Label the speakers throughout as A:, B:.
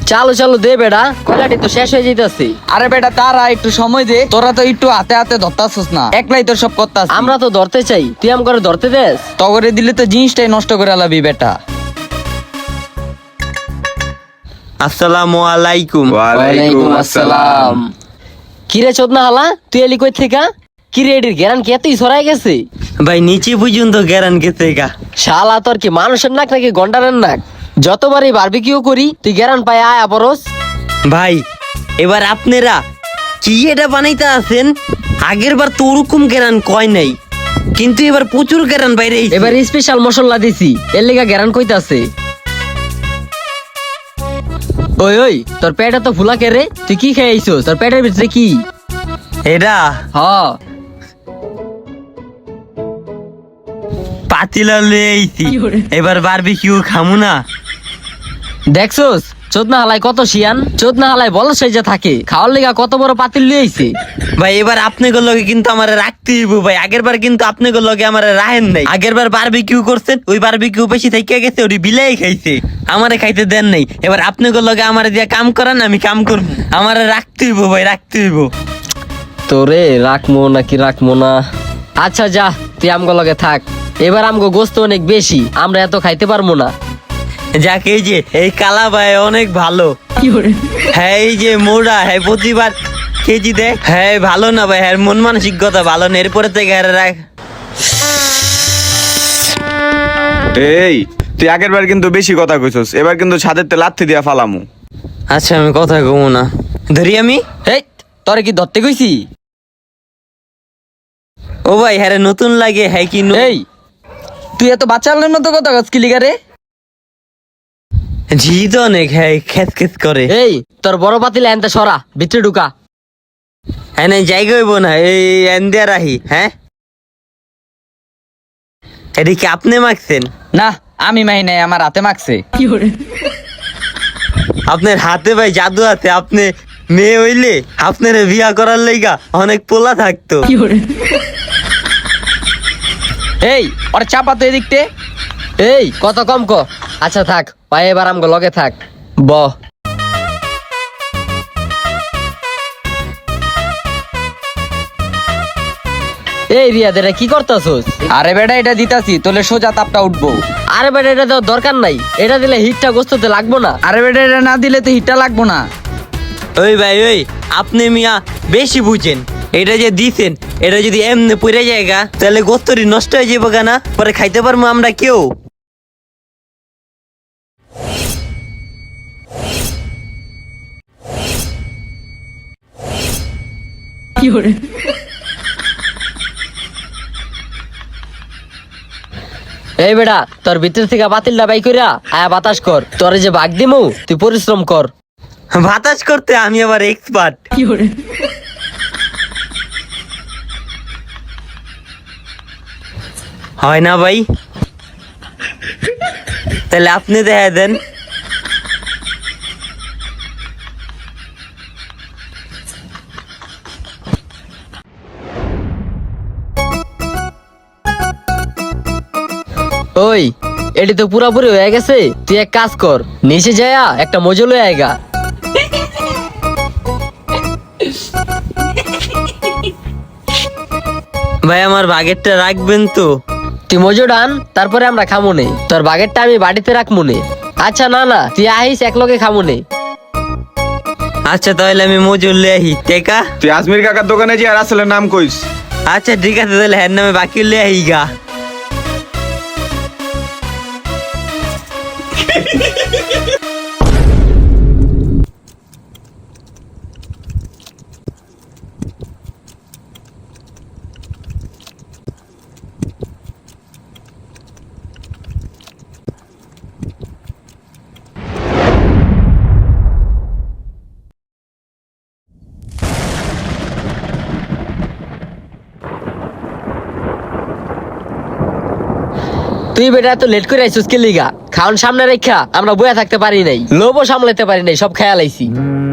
A: চালু চালু দে বেটা, কয়লাটি তো শেষ হয়ে যাইতাছে।
B: আরে বেটা তারা একটু সময় দে, তোরা তো একটু হাতে হাতে ধরতাছিস না, একলাই তোর সব করতাস।
A: আমরা তো ধরতে চাই, তুই আম করে ধরতে দেস।
B: তগরে দিলে তো জিনিসটাই নষ্ট করে লাবি বেটা।
C: আসসালামু আলাইকুম।
A: ওয়ালাইকুম আসসালাম। কিরে চোদনা হালা, তুই এলি কই থেকে? কিরে এটির গেরান কি এতই ছড়াই গেছে?
C: ভাই নিচে পর্যন্ত গেরান গেছে গা।
A: শালা তোর কি মানুষের নাক নাকি গন্ডারের নাক? যতবারই বারবিকিউ করি তুই গেরান পায় আয়া পরস।
C: ভাই এবার আপনারা কি এটা বানাইতে আছেন? আগের বার তো ওরকম গেরান কয় নাই, কিন্তু এবার প্রচুর গেরান বাইরে আইছে।
A: এবার স্পেশাল মশলা দিছি, এর লিগা গেরান কইতাছে। ওই ওই, তোর পেটে তো ফুলা কে রে? তুই কি খেয়ে আইছস? তোর পেটের ভিতরে কি?
C: এটা
A: হ
C: পাতিলা লয়ে আইছি, এবার বারবিকিউ খামু না।
A: দেখছস চোদনা হালাই কত শিয়ান, চোদনা হালাই বল সেজে থাকে, খাওয়ার লিগা কত বড় পাতিল লিয়ে আইছে।
C: ভাই এবার আপনাদের লগে কিন্তু আমারে রাখতে হইব ভাই। আগের বার কিন্তু আপনাদের লগে আমারে রাহেন নাই। আগের বার বারবিকিউ করছেন, ওই বারবিকিউ বেশি থেকে গেছে, ওই বিলাই খাইছে, আমারে খাইতে দেন নাই। এবার আপনাদের লগে আমারে দিয়া কাম করান, আমি কাম করব। আমারে রাখতে হইব ভাই, রাখতে হইব।
A: তোরে রাখমো নাকি রাখমো না? আচ্ছা যা, তুই আমগো লগে থাক। এবার আমগো গোস্ত অনেক বেশি, আমরা এত খাইতে পারবো না।
C: যাক এই যে এই কালা ভাই অনেক ভালো। হ্যাঁ এই যে মোড়া, হ্যাঁ প্রতিবার কেজি দেখ। হ্যাঁ ভালো না ভাই, হ্যাঁ মন মানসিকতা ভালো না। এরপরে থেকে রাখ।
D: এই তুই আগের বার কিন্তু বেশি কথা কইছস, এবার কিন্তু ছাদের তে লাথি দিয়া ফালামু।
C: আচ্ছা আমি কথা কমু না, ধরি আমি।
B: হেই তোরে কি ধরতে কইছি?
C: ও ভাই হ্যাঁ রে, নতুন লাগে। হ্যাঁ কি
B: এই তুই এত বাচ্চাদের মতো কথা কস কি লিগা রে?
C: ঝি তো অনেক, হ্যাঁ খেস খেস করে।
A: এই তোর বড় পাতিল এনতে সরা, ভিতরে ঢুকা।
C: হ্যাঁ নাই জায়গা হইব না, এই এন্দিয়া রাহি। হ্যাঁ এদিকে আপনি মাখছেন
B: না আমি মাই নাই, আমার হাতে মাখছে।
C: আপনার হাতে ভাই জাদু আছে। আপনি মেয়ে হইলে আপনার বিয়া করার লাইগা অনেক পোলা থাকতো।
B: এই ওর চাপা তো এদিকতে।
A: এই কত কম ক। আচ্ছা থাক, পায়ে এবার আমগো লগে থাক। ব এই রিয়া দেরা কি করতাছস?
B: আরে বেটা এটা দিতাছি, তোলে সোজা তাপটা উঠবো।
A: আরে বেটা এটা দেওয়ার দরকার নাই, এটা দিলে হিটটা গোস্ততে লাগবো না।
B: আরে বেটা এটা না দিলে তো হিটটা লাগবো না।
C: ওই ভাই ওই, আপনি মিয়া বেশি বুঝেন। এটা যে দিছেন, এটা যদি এমনি পড়ে যায়গা তাহলে গোস্তরি নষ্ট হয়ে যাবো কেনা, পরে খাইতে পারবো আমরা কেউ।
A: এই বেটা তোর ভিতর থেকে বাতিলটা বাই কইরা আয়া বাতাস কর। তোরে যে ভাগ দিমু তুই পরিশ্রম কর।
C: বাতাস করতে আমি আবার এক্সপার্ট। হয় না ভাই? তাহলে আপনি দেখা দেন।
A: ওই এটি তো পুরাপুরি হয়ে গেছে, তুই এক কাজ কর, নিচে যায়া একটা মজু লয়ে আয়গা।
C: ভাই আমার বাগেরটা রাখবেন তো?
A: তুই মজু ডান, তারপরে আমরা খামুনে। তোর বাগেরটা আমি বাড়িতে রাখমুনে। আচ্ছা না না, তুই আহিস একলগে খামুনে।
C: আচ্ছা তাহলে আমি মজুর লে আহি টেকা।
D: তুই আজমির কাকার দোকানে যে আর আসলে নাম কইস।
C: আচ্ছা ঠিক আছে, তাহলে হ্যার নামে বাকি লে আহি গা।
A: তুই বেটা এত লেট করে আইছিস কে লিগা? খাওন সামনে রেখা আমরা বইয়া থাকতে পারি নাই, লোভও সামলাতে পারি নাই, সব খেয়াল আইছি।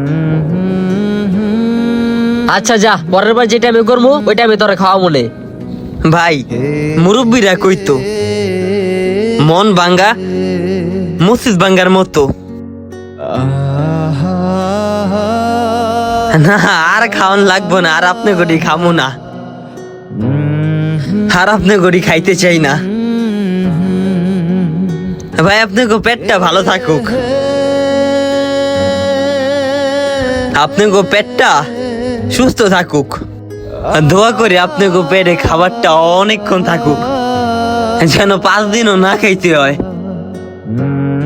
A: আচ্ছা যা, পরের বার যেটা আমি করবো ওইটা আমি তোরে খাওয়া মনে।
C: ভাই মুরব্বীরা কইতো মন ভাঙ্গা মসজিদ ভাঙ্গার মতো। না আর খাওয়ান লাগবো না, আর আপনি গড়ি খামু না, আর আপনি গড়ি খাইতে চাই না ভাই। আপনি গো পেটটা ভালো থাকুক, আপনি গো পেটটা সুস্থ থাকুক। দোয়া করি আপনি গো পেটে খাবারটা অনেকক্ষণ থাকুক, যেন 5 দিনও না খাইতে হয়।